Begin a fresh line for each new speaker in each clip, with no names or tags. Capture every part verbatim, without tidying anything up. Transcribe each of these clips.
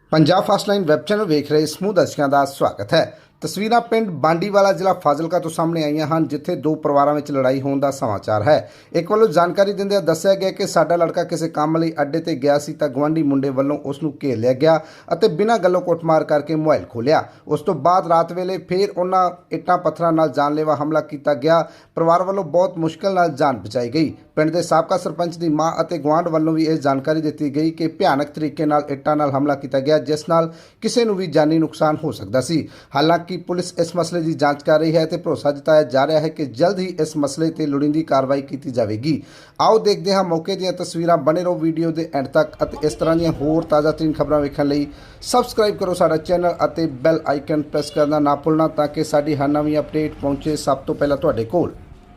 Punjab fast line web channel वेख रहे समूह दर्शकों का स्वागत है। तस्वीरां पिंड बांडीवाला जिला फाजिलका तो सामने आईਆਂ ਹਨ जिथे दो परिवारों में लड़ाई होने का समाचार है। एक वालों जानकारी दिंदे दस्सिया गया कि साडा लड़का किसी काम लई अड्डे ते गया सी तां गवांढी मुंडे वालों उसनूं घेर लिया गया अते बिना गल्लों कुटमार करके मोबाइल खोलिया। उस तो बाद रात वेले फिर उन्हां इट्टां पत्थरां नाल जानलेवा हमला किया गया। परिवार वालों बहुत मुश्किल नाल जान बचाई गई। पिंड दे साबका सरपंच की मां अते गवांढ वालों भी यह जानकारी दी गई कि भयानक तरीके नाल इट्टां नाल हमला किया गया जिस नाल किसी नूं भी जानी नुकसान हो सकता सी। हालांकि पुलिस इस मसले की जांच कर रही है तो भरोसा जताया जा रहा है कि जल्द ही इस मसले ते लोड़ींदी कार्रवाई की जाएगी। आओ देखते हैं मौके दी तस्वीरां। बने रहो वीडियो के एंड तक अते इस तरह दी होर ताज़ा तरीन खबरां वेखण लई सबसक्राइब करो साडा चैनल अते बैल आइकन प्रेस करना ना भुलना ताकि साडी हर नवीं अपडेट पहुंचे सब तो पहला तुहाडे कोल।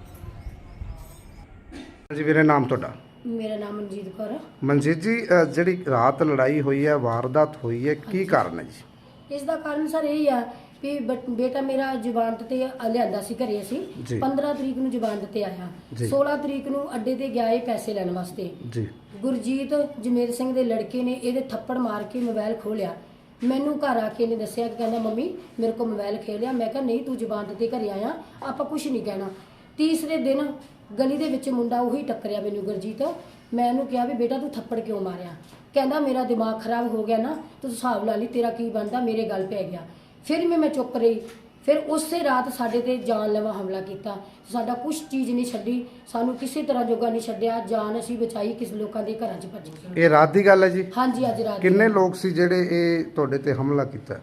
जी मेरा नाम तुहाडा?
मेरा नाम मनजीत कौर है।
मनजीत जी जिहड़ी रात लड़ाई हुई है वारदात हुई है की कारण है जी?
इसका कारण सर यही है भी बेटा मेरा जमानत ते लियांदा सी घरे सी पंद्रह तरीक नूं जमानत ते आया, सोलह तरीक नूं अड्डे ते गया पैसे लैण वास्ते। गुरजीत जमेर सिंह दे लड़के ने इहदे थप्पड़ मार के मोबाइल खोलिया। मैनू घर आके ने दस्सिया कि कहंदा मम्मी मेरे को मोबाइल खेलिया। मैं कहा नहीं तू जमानत ते घरे आया आपां कुछ नहीं कहना। तीसरे दिन गली दे विच मुंडा उही टक्करिया मैनू गुरजीत। मैं उहनूं कहा भी बेटा तू थप्पड़ क्यों मारिया? कहंदा मेरा दिमाग खराब हो गया ना, तू हिसाब ला ली तेरा की बनदा, मेरे गल पै गया। फिर भी मैं चुप रही। फिर उस रात साडे ते जानलेवा हमला किया। साडा कुछ चीज़ नहीं छड्डी, सानू किसी तरह जोगा नहीं छड्डिया। जान असीं बचाई, किस लोगों के घरां च भज गए।
ये रात की गल है जी? हाँ
जी अज रात।
किन्ने लोग सी जेड़े ये तुहाडे ते हमला किया?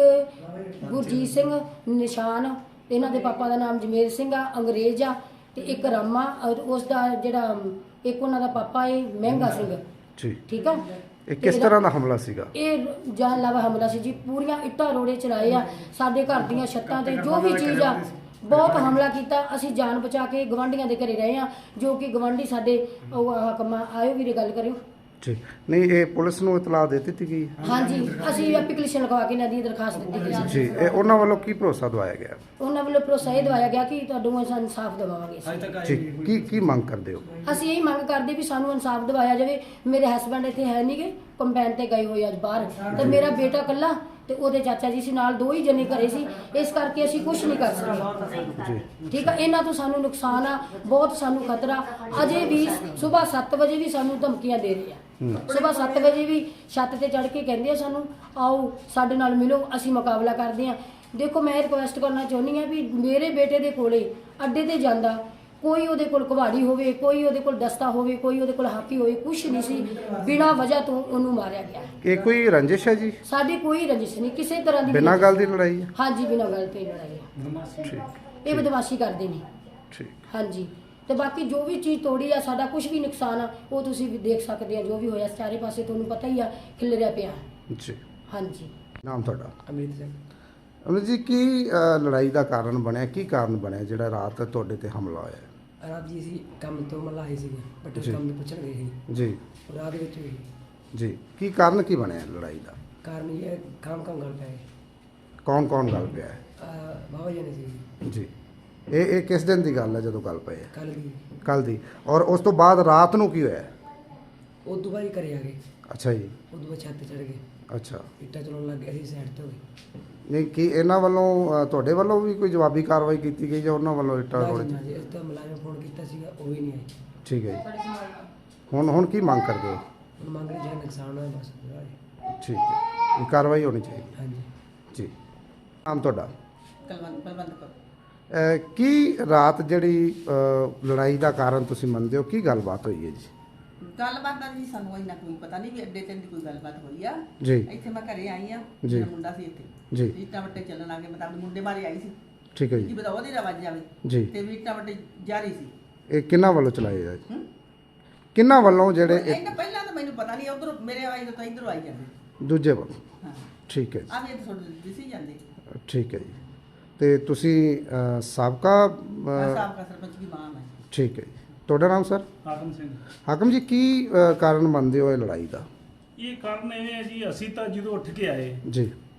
एक गुरजीत सिंह निशान, इन्हां दे पापा का नाम जमेर सिंह आ, अंग्रेज आ, ते एक रामा और उसका जिहड़ा एक उन्हां दा पापा है महंगा सिंह जी। ठीक है।
ਇਹ ਕਿਸ ਤਰ੍ਹਾਂ ਦਾ ਹਮਲਾ ਸੀਗਾ?
ਇਹ ਜਾਨਲੇਵਾ ਹਮਲਾ ਸੀ ਜੀ। ਪੂਰੀਆਂ ਇੱਟਾਂ ਰੋੜੇ ਚਲਾਏ ਆ ਸਾਡੇ ਘਰ ਦੀਆਂ ਛੱਤਾਂ ਤੇ, ਜੋ ਵੀ ਚੀਜ਼ ਆ ਬਹੁਤ ਹਮਲਾ ਕੀਤਾ। ਅਸੀਂ ਜਾਨ ਬਚਾ ਕੇ ਗਵਾਂਢੀਆਂ ਦੇ ਘਰੇ ਰਹੇ ਆ, ਜੋ ਕਿ ਗਵਾਂਢੀ ਸਾਡੇ ਹਕਮਾ ਆਇਓ ਵੀਰੇ ਗੱਲ ਕਰਿਓ
ਜੀ। ਨਹੀਂ ਇਹ ਪੁਲਿਸ ਨੂੰ ਇਤਲਾਹ ਦੇ ਦਿੱਤੀ ਗਈ?
ਹਾਂਜੀ ਅਸੀਂ ਐਪਲੀਕੇਸ਼ਨ ਲਗਵਾ ਕੇ ਨਦੀ ਦਰਖਾਸਤ ਦਿੱਤੀ ਗਈ
ਜੀ। ਇਹ ਉਹਨਾਂ ਵੱਲੋਂ ਕੀ ਭਰੋਸਾ ਦਵਾਇਆ ਗਿਆ?
ਉਹਨਾਂ ਵੱਲੋਂ ਭਰੋਸਾ ਇਹ ਦਵਾਇਆ ਗਿਆ ਕਿ ਤੁਹਾਨੂੰ ਅਸੀਂ ਇਨਸਾਫ ਦਿਵਾਵਾਂਗੇ
ਜੀ। ਕੀ ਕੀ ਮੰਗ ਕਰਦੇ ਹੋ?
ਅਸੀਂ ਇਹੀ ਮੰਗ ਕਰਦੇ ਵੀ ਸਾਨੂੰ ਇਨਸਾਫ ਦਿਵਾਇਆ ਜਾਵੇ। ਮੇਰੇ ਹਸਬੰਡ ਇੱਥੇ ਹੈ ਨਹੀਂਗੇ, ਕੰਪੈਨ ਤੇ ਗਏ ਹੋਏ ਅੱਜ ਬਾਹਰ, ਤੇ ਮੇਰਾ ਬੇਟਾ ਇਕੱਲਾ ਤੇ ਉਹਦੇ ਚਾਚਾ ਜੀ ਸੀ ਨਾਲ, ਦੋ ਹੀ ਜਣੇ ਘਰੇ ਸੀ, ਇਸ ਕਰਕੇ ਅਸੀਂ ਕੁਝ ਨਹੀਂ ਕਰ ਸਕਦੇ ਜੀ। ਠੀਕ ਆ। ਇਹਨਾਂ ਤੋਂ ਸਾਨੂੰ ਨੁਕਸਾਨ ਆ ਬਹੁਤ, ਸਾਨੂੰ ਖਤਰਾ। ਅਜੇ ਵੀ ਸਵੇਰ ਸੱਤ ਵਜੇ ਵੀ ਸਾਨੂੰ ਧਮਕੀਆਂ ਦੇ ਰਹੇ ਆ। ਸਵੇਰ ਸੱਤ ਵਜੇ ਵੀ ਛੱਤ ਤੇ ਚੜ੍ਹ ਕੇ ਕਹਿੰਦੇ ਆ ਸਾਨੂੰ ਆਓ ਸਾਡੇ ਨਾਲ ਮਿਲੋ, ਅਸੀਂ ਮੁਕਾਬਲਾ ਕਰਦੇ ਆ। ਦੇਖੋ ਮੈਂ ਰਿਕੁਐਸਟ ਕਰਨਾ ਚਾਹੁੰਦੀ ਆ ਵੀ ਮੇਰੇ ਬੇਟੇ ਦੇ ਕੋਲੇ ਅੱਡੇ ਤੇ ਜਾਂਦਾ ਕੋਈ ਉਹਦੇ ਕੋਲ ਕੁਹਾੜੀ ਹੋਵੇ, ਕੋਈ ਉਹਦੇ ਕੋਲ ਦਸਤਾ ਹੋਵੇ, ਕੋਈ ਉਹਦੇ ਕੋਲ ਹਾਕੀ ਹੋਵੇ, ਕੁਛ ਨਹੀਂ ਸੀ। ਬਿਨਾਂ ਵਜ੍ਹਾ ਤੋਂ ਉਹਨੂੰ ਮਾਰਿਆ ਗਿਆ।
ਇਹ ਕੋਈ ਰੰਜਿਸ਼ ਹੈ ਜੀ?
ਸਾਡੀ ਕੋਈ ਰੰਜਿਸ਼ ਨਹੀਂ ਕਿਸੇ ਤਰ੍ਹਾਂ ਦੀ।
ਬਿਨਾਂ ਗੱਲ ਦੀ ਲੜਾਈ ਹੈ?
ਹਾਂਜੀ ਬਿਨਾਂ ਗੱਲ ਤੇ ਲੜਾਈ ਹੈ। ਠੀਕ। ਇਹ ਬਦਮਾਸ਼ੀ ਕਰਦੇ ਨੇ। ਠੀਕ। ਹਾਂਜੀ। ਤੇ ਬਾਕੀ ਜੋ ਵੀ ਚੀਜ਼ ਤੋੜੀ ਆ, ਸਾਡਾ ਕੁਝ ਵੀ ਨੁਕਸਾਨ ਆ ਉਹ ਤੁਸੀਂ ਵੀ ਦੇਖ ਸਕਦੇ ਆ। ਜੋ ਵੀ ਹੋਇਆ ਚਾਰੇ ਪਾਸੇ ਤੁਹਾਨੂੰ ਪਤਾ ਹੀ ਆ ਖਿਲਰਿਆ ਪਿਆ ਜੀ। ਹਾਂਜੀ।
ਨਾਮ ਤੁਹਾਡਾ?
ਅਮਰੀਤ ਸਿੰਘ।
ਅਮਰੀਤ ਜੀ ਕੀ ਲੜਾਈ ਦਾ ਕਾਰਨ ਬਣਿਆ, ਕੀ ਕਾਰਨ ਬਣਿਆ ਜਿਹੜਾ ਰਾਤ ਤੁਹਾਡੇ ਤੇ ਹਮਲਾ ਹੋਇਆ?
ਰਾਤ ਜੀ ਅਸੀਂ ਕੰਮ ਤੋਂ ਮੱਲਾ ਆਏ ਸੀਗੇ, ਬੱਟੇ ਕੰਮ ਦੇ ਪੁੱਛਣ ਗਏ ਸੀ
ਜੀ।
ਰਾਤ ਵਿੱਚ ਹੋਈ
ਜੀ। ਕੀ ਕਾਰਨ ਕੀ ਬਣਿਆ ਲੜਾਈ ਦਾ?
ਕਾਰਨ ਇਹ ਕੰਮ ਕੰਮ ਗੱਲ ਪਏ।
ਕੌਣ ਕੌਣ ਗੱਲ ਪਿਆ ਹੈ?
ਬਾਬਾ ਜੀ ਨੇ ਸੀ
ਜੀ। ਇਹ ਇਹ ਕਿਸ ਦਿਨ ਦੀ ਗੱਲ ਹੈ ਜਦੋਂ ਗੱਲ ਪਈ ਹੈ?
ਕੱਲ ਦੀ।
ਕੱਲ ਦੀ। ਔਰ ਉਸ ਤੋਂ ਬਾਅਦ ਰਾਤ ਨੂੰ ਕੀ ਹੋਇਆ?
ਉਹ ਦੁਬਾਰਾ ਘਰੇ ਆ ਗਏ।
ਅੱਛਾ ਜੀ।
ਉਹ ਦੁਬਾਰਾ ਛੱਤ ਤੇ ਚੜ੍ਹ ਗਏ।
ਅੱਛਾ।
ਇੱਟਾਂ ਚਲਾਉਣ ਲੱਗ ਗਏ, ਅਸੀਂ ਸਾਈਡ ਤੇ ਹੋ ਗਏ।
ਨਹੀਂ ਕੀ ਇਹਨਾਂ ਵੱਲੋਂ ਤੁਹਾਡੇ ਵੱਲੋਂ ਵੀ ਕੋਈ ਜਵਾਬੀ ਕਾਰਵਾਈ ਕੀਤੀ ਗਈ ਜਾਂ ਉਹਨਾਂ ਵੱਲੋਂ ਇੱਟਾਂ ਰੋੜੇ?
ਜੀ ਇਸ ਤੋਂ ਮੁਲਾਜ਼ਮ ਫੋਨ ਕੀਤਾ ਸੀਗਾ, ਉਹ ਵੀ ਨਹੀਂ ਆਏ।
ਠੀਕ ਹੈ ਜੀ। ਹੁਣ ਹੁਣ ਕੀ ਮੰਗ ਕਰਦੇ ਹੋ?
ਹੁਣ ਮੰਗ ਰਹੇ ਜਿਹੜਾ ਨੁਕਸਾਨ ਹੋਇਆ ਬਸ ਪੂਰਾ ਹੈ।
ਠੀਕ ਹੈ। ਇਹ ਕਾਰਵਾਈ ਹੋਣੀ ਚਾਹੀਦੀ।
ਹਾਂਜੀ
ਜੀ। ਨਾਮ ਤੁਹਾਡਾ?
ਕਲਵੰਤ ਬਲਵੰਤ ਕੌਰ।
ਕੀ ਰਾਤ ਜਿਹੜੀ ਲੜਾਈ ਦਾ ਕਾਰਨ ਤੁਸੀਂ ਮੰਨਦੇ ਹੋ, ਕੀ ਗੱਲਬਾਤ ਹੋਈ ਹੈ ਜੀ?
ਗੱਲਬਾਤ ਦਾ ਜੀ ਸਾਨੂੰ ਇੰਨਾ ਕੋਈ ਪਤਾ ਨਹੀਂ ਵੀ ਅੱਡੇ ਤੇ ਦੀ ਕੋਈ ਗੱਲਬਾਤ ਹੋਈ ਆ
ਜੀ।
ਇੱਥੇ ਮੈਂ ਘਰੇ ਆਈ ਆ,
ਜੀ।
ਮੇਰਾ ਮੁੰਡਾ ਸੀ ਇੱਥੇ
ਜੀ।
ਇੱਟਾਂ ਵੱਟੇ ਚੱਲਣ ਲੱਗੇ, ਮੈਂ ਤਾਂ ਆਪਣੇ ਮੁੰਡੇ ਬਾਰੇ ਆਈ ਸੀ।
ਠੀਕ ਹੈ
ਕੀ
ਜੀ।
ਪਤਾ ਉਹਦੀ ਆਵਾਜ਼ ਜਾਵੇ
ਜੀ।
ਤੇ ਵੀ ਇੱਟਾਂ ਵੱਟੇ ਜਾਰੀ ਸੀ।
ਇਹ ਕਿਹਨਾਂ ਵੱਲੋਂ ਚਲਾਏ ਆ ਜੀ? ਕਿਹਨਾਂ ਵੱਲੋਂ ਜਿਹੜੇ
ਇਹਨਾਂ ਪਹਿਲਾਂ ਤਾਂ ਮੈਨੂੰ ਪਤਾ ਨਹੀਂ, ਉਧਰ ਮੇਰੇ ਆਵਾਜ਼ ਤੋਂ ਇਧਰੋਂ ਆਈ ਜਾਂਦੇ
ਦੂਜੇ ਵੱਲੋਂ?
ਹਾਂ।
ਠੀਕ ਹੈ ਜੀ।
ਆ ਵੀ ਇੱਥੇ ਥੋੜੀ ਦਿਸੀ ਜਾਂਦੇ।
ਠੀਕ ਹੈ ਜੀ। ਤੇ ਤੁਸੀਂ ਅ, ਸਾਬਕਾ ਅ,
ਸਾਬਕਾ ਸਰਪੰਚ ਦੀ ਮਾਂ ਮੈਂ।
ਠੀਕ ਹੈ ਜੀ। ਤੁਹਾਡਾ ਨਾਮ ਸਰ?
ਹਾਕਮ ਸਿੰਘ।
ਹਾਕਮ ਜੀ ਕੀ ਅ, ਕਾਰਨ ਮੰਨਦੇ ਹੋ ਇਹ ਲੜਾਈ ਦਾ?
ਇਹ ਕਾਰਨ ਇਹ ਹੈ ਜੀ, ਅਸੀਂ ਤਾਂ ਜਦੋਂ ਉੱਠ ਕੇ ਆਏ
ਜੀ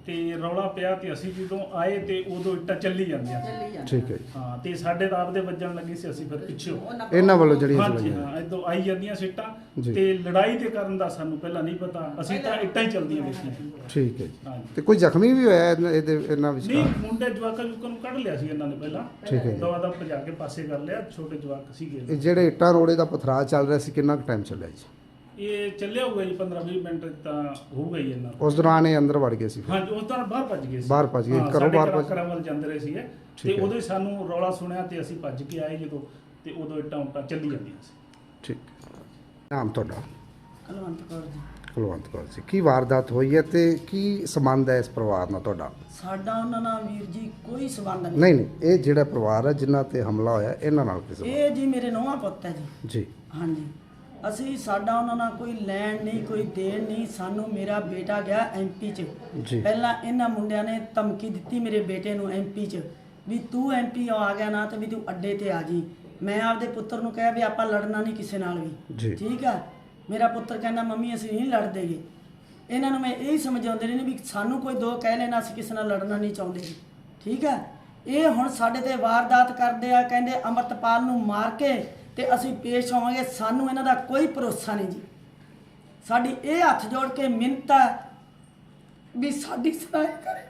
ਤੇ ਰੌਲਾ ਪਿਆ ਤੇ ਅਸੀਂ ਜਦੋਂ ਆਏ ਤੇ ਉਦੋਂ ਇੱਟਾਂ ਚੱਲੀ ਜਾਂਦੀਆਂ ਸੀ।
ਚੱਲੀ ਜਾਂਦਾ
ਠੀਕ ਹੈ ਜੀ।
ਹਾਂ ਤੇ ਸਾਡੇ ਤਾਂ ਆਪਦੇ ਵੱਜਣ ਲੱਗੀ ਸੀ, ਅਸੀਂ ਫਿਰ ਪਿੱਛੇ
ਉਹਨਾਂ
ਇਹਨਾਂ ਵੱਲੋਂ ਜਿਹੜੀਆਂ
ਹਾਂਜੀ
ਚਲਾਈਆਂ
ਹਾਂ ਇਦੋਂ ਆਈ ਜਾਂਦੀਆਂ ਸੀਟਾਂ
ਜੀ।
ਤੇ ਲੜਾਈ ਦੇ ਕਰਨ ਦਾ ਸਾਨੂੰ ਪਹਿਲਾਂ ਨਹੀਂ ਪਤਾ, ਅਸੀਂ ਤਾਂ ਇੱਟਾਂ ਹੀ ਚੱਲਦੀਆਂ ਦੇਖੀਆਂ।
ਠੀਕ ਹੈ ਜੀ।
ਹਾਂਜੀ
ਤੇ ਕੋਈ ਜ਼ਖਮੀ ਵੀ ਹੋਇਆ ਇਹਨਾਂ- ਇਹਦੇ ਇਹਨਾਂ
ਨਹੀਂ,
ਵਿਚਕਾਰ?
ਮੁੰਡੇ ਜਵਾਕਾਂ ਜੁਕਾਂ ਨੂੰ ਕੱਢ ਲਿਆ ਸੀ ਇਹਨਾਂ ਨੇ ਪਹਿਲਾਂ,
ਠੀਕ ਹੈ ਜੀ।
ਦਵਾ ਦਾ ਭਜਾ ਕੇ ਪਾਸੇ ਕਰ ਲਿਆ, ਛੋਟੇ ਜਵਾਕ ਸੀਗੇ।
ਇਹ ਜਿਹੜੇ ਇੱਟਾਂ ਰੋੜੇ ਦਾ ਪਥਰਾਅ ਚੱਲ ਰਿਹਾ ਸੀ ਕਿੰਨਾ ਕੁ ਟਾਈਮ ਚੱਲਿਆ ਜੀ?
ਇਹ ਚੱਲਿਆ ਹੋਊਗਾ ਜੀ ਪੰਦਰਾਂ ਵੀਹ ਮਿੰਟ ਤਾਂ ਹੋਊਗਾ ਹੀ ਇਹਨਾਂ ਦਾ।
ਉਸ ਦੌਰਾਨ ਇਹ ਅੰਦਰ ਵੜ ਗਏ ਸੀ ਫਿਰ?
ਹਾਂਜੀ ਉਸ ਤਰ੍ਹਾਂ ਬਾਹਰ ਭੱਜ ਗਏ ਸੀ।
ਬਾਹਰ ਭੱਜ ਗਏ,
ਹਾਂ,
ਘਰੋਂ
ਸਾਡੇ
ਬਾਹਰ
ਘਰਾਂ-
ਭੱਜ-
ਘਰਾਂ ਵੱਲ ਜਾਂਦੇ ਰਹੇ ਸੀਗੇ
ਠੀਕ
ਤੇ
ਹੈ।
ਉਦੋਂ ਹੀ ਸਾਨੂੰ ਰੌਲਾ ਸੁਣਿਆ ਤੇ ਅਸੀਂ ਭੱਜ ਕੇ ਆਏ ਜਦੋਂ, ਤੇ ਉਦੋਂ ਇੱਟਾਂ ਉੱਟਾਂ ਚੱਲੀ ਜਾਂਦੀਆਂ ਸੀ।
ਠੀਕ। ਨਾਮ ਤੁਹਾਡਾ?
ਕਲਵੰਤ ਕੌਰ ਜੀ।
ਕੁਲਵੰਤ ਕੌਰ ਜੀ। ਕੀ ਵਾਰਦਾਤ ਹੋਈ ਹੈ ਤੇ ਕੀ ਸੰਬੰਧ ਹੈ ਇਸ ਪਰਿਵਾਰ ਨਾਲ ਤੁਹਾਡਾ?
ਸਾਡਾ ਉਹਨਾਂ ਨਾਲ ਵੀਰ ਜੀ ਕੋਈ ਸਬੰਧ ਨਹੀਂ।
ਨਹੀਂ ਨਹੀਂ, ਇਹ ਜਿਹੜਾ ਪਰਿਵਾਰ ਹੈ ਜਿਨ੍ਹਾਂ ਤੇ ਹਮਲਾ ਹੋਇਆ ਇਹਨਾਂ ਨਾਲ ਕੀ ਸੰਬੰਧ?
ਇਹ ਜੀ ਮੇਰੇ ਨੌਵਾਂ ਪੁੱਤ ਹੈ ਜੀ।
ਜੀ
ਹਾਂਜੀ, ਅਸੀਂ ਸਾਡਾ ਉਹਨਾਂ ਨਾਲ ਕੋਈ ਲੈਣ ਨਹੀਂ, ਕੋਈ ਦੇਣ ਨਹੀਂ। ਸਾਨੂੰ ਮੇਰਾ ਬੇਟਾ ਗਿਆ ਐਮਪੀ 'ਚ।
ਜੀ।
ਪਹਿਲਾਂ ਇਹਨਾਂ ਮੁੰਡਿਆਂ ਨੇ ਧਮਕੀ ਦਿੱਤੀ ਮੇਰੇ ਬੇਟੇ ਨੂੰ ਐਮਪੀ 'ਚ ਵੀ ਤੂੰ ਐਮਪੀ ਆ ਗਿਆ ਨਾ ਤੇ ਵੀ ਤੂੰ ਅੱਡੇ ਤੇ ਆ ਜੀ। ਮੈਂ ਆਪਦੇ ਪੁੱਤਰ ਨੂੰ ਕਿਹਾ ਵੀ ਆਪਾਂ ਲੜਨਾ ਨਹੀਂ ਕਿਸੇ ਨਾਲ
ਜੀ।
ਵੀ, ਠੀਕ ਆ। ਮੇਰਾ ਪੁੱਤਰ ਕਹਿੰਦਾ ਮੰਮੀ ਅਸੀਂ ਨਹੀਂ ਲੜਦੇਗੇ। ਇਹਨਾਂ ਨੂੰ ਮੈਂ ਇਹੀ ਸਮਝਾਉਂਦੇ ਰਹੇ ਨੇ ਵੀ ਸਾਨੂੰ ਕੋਈ ਦੋ ਕਹਿ ਲੈਣਾ, ਅਸੀਂ ਕਿਸੇ ਨਾਲ ਲੜਨਾ ਨਹੀਂ ਚਾਹੁੰਦੇ ਜੀ, ਠੀਕ ਆ। ਇਹ ਹੁਣ ਸਾਡੇ ਤੇ ਵਾਰਦਾਤ ਕਰਦੇ ਆ, ਕਹਿੰਦੇ ਅੰਮ੍ਰਿਤਪਾਲ ਨੂੰ ਮਾਰ ਕੇ ਤੇ ਅਸੀਂ ਪੇਸ਼ ਹੋਵਾਂਗੇ। ਸਾਨੂੰ ਇਹਨਾਂ ਦਾ ਕੋਈ ਭਰੋਸਾ ਨਹੀਂ ਜੀ। ਸਾਡੀ ਇਹ ਹੱਥ ਜੋੜ ਕੇ ਮਿੰਨਤ ਹੈ ਵੀ ਸਾਡੀ ਸੁਣਾਈ ਕਰੇ।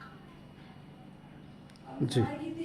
ਜੀ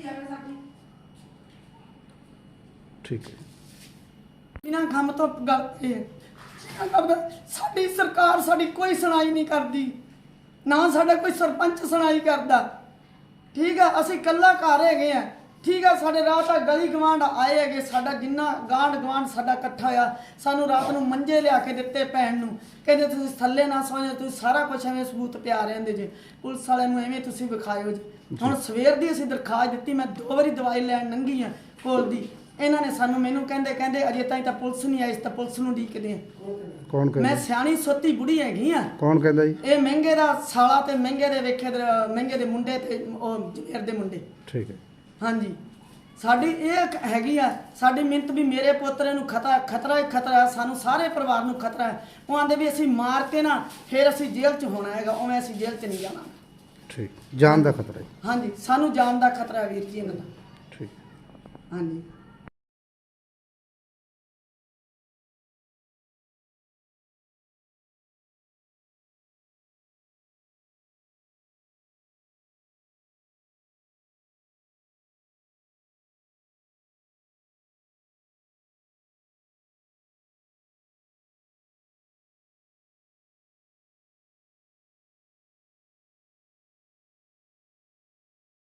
ਠੀਕ ਹੈ।
ਬਿਨਾਂ ਕੰਮ ਤੋਂ ਗੱਲ ਇਹ ਹੈ। ਸਾਡੀ ਸਰਕਾਰ ਸਾਡੀ ਕੋਈ ਸੁਣਾਈ ਨਹੀਂ ਕਰਦੀ, ਨਾ ਸਾਡਾ ਕੋਈ ਸਰਪੰਚ ਸੁਣਾਈ ਕਰਦਾ, ਠੀਕ ਆ। ਅਸੀਂ ਇਕੱਲਾ ਘਰ ਹੈਗੇ ਆ, ਠੀਕ ਆ। ਸਾਡੇ ਰਾਤ ਆ ਗਲੀ ਗਵਾਂਢ ਆਏ ਹੈਗੇ, ਸਾਡਾ ਜਿੰਨਾ ਗਾਂਢ ਗਵਾਂਢ ਸਾਡਾ ਇਕੱਠਾ ਆ। ਸਾਨੂੰ ਰਾਤ ਨੂੰ ਮੰਜੇ ਲਿਆ ਕੇ ਦਿੱਤੇ ਭੈਣ ਨੂੰ, ਕਹਿੰਦੇ ਤੁਸੀਂ ਥੱਲੇ ਨਾ ਸੌਂ ਜਾਓ, ਤੁਸੀਂ ਸਾਰਾ ਕੁਝ ਐਵੇਂ ਸਬੂਤ ਪਿਆ ਰਹਿੰਦੇ ਜੇ, ਪੁਲਿਸ ਵਾਲਿਆਂ ਨੂੰ ਐਵੇਂ ਤੁਸੀਂ ਵਿਖਾਇਓ ਜੀ। ਹੁਣ ਸਵੇਰ ਦੀ ਅਸੀਂ ਦਰਖਾਸਤ ਦਿੱਤੀ, ਮੈਂ ਦੋ ਵਾਰੀ ਦਵਾਈ ਲੈਣ ਲੰਘੀ ਆ ਕੋਲ ਦੀ। ਇਹਨਾਂ ਨੇ ਸਾਨੂੰ ਮੈਨੂੰ ਕਹਿੰਦੇ ਕਹਿੰਦੇ ਅਜੇ ਤਾਈਂ ਤਾਂ ਪੁਲਿਸ ਨਹੀਂ ਆਈ, ਤਾਂ ਪੁਲਿਸ ਨੂੰ ਉਡੀਕਦੇ ਆ।
ਕੌਣ
ਮੈਂ
ਕਹਿੰਦਾ?
ਸਿਆਣੀ ਸੋਤੀ ਬੁੜੀ ਹੈਗੀ ਆ।
ਕੌਣ ਕਹਿੰਦਾ ਜੀ?
ਇਹ ਮਹਿੰਗੇ ਦਾ ਸਾਲਾ ਤੇ ਮਹਿੰਗੇ ਦੇ ਵੇਖੇ ਦੇ ਮਹਿੰਗੇ ਦੇ ਮੁੰਡੇ ਤੇ ਉਹ ਜਵੇਰ ਦੇ ਮੁੰਡੇ।
ਠੀਕ ਹੈ।
ਹਾਂਜੀ, ਸਾਡੀ ਇਹ ਇੱਕ ਹੈਗੀ ਆ ਸਾਡੀ ਮਿੰਤ ਵੀ ਮੇਰੇ ਪੋਤਰੇ ਨੂੰ ਖਤਰਾ ਖਤਰਾ ਹੀ ਖਤਰਾ ਹੈ, ਸਾਨੂੰ ਸਾਰੇ ਪਰਿਵਾਰ ਨੂੰ ਖਤਰਾ ਹੈ। ਉਹ ਆਂਦੇ ਵੀ ਅਸੀਂ ਮਾਰ ਕੇ ਨਾ ਫਿਰ ਅਸੀਂ ਜੇਲ੍ਹ 'ਚ ਹੋਣਾ ਹੈਗਾ, ਉਵੇਂ ਅਸੀਂ ਜੇਲ੍ਹ 'ਚ ਨਹੀਂ ਜਾਣਾ।
ਠੀਕ। ਜਾਨ ਦਾ ਖਤਰਾ ਹੈ।
ਹਾਂਜੀ, ਸਾਨੂੰ ਜਾਨ ਦਾ ਖਤਰਾ ਹੈ ਵੀਰ ਜੀ ਇਹਨਾਂ ਦਾ।
ਠੀਕ।
ਹਾਂਜੀ।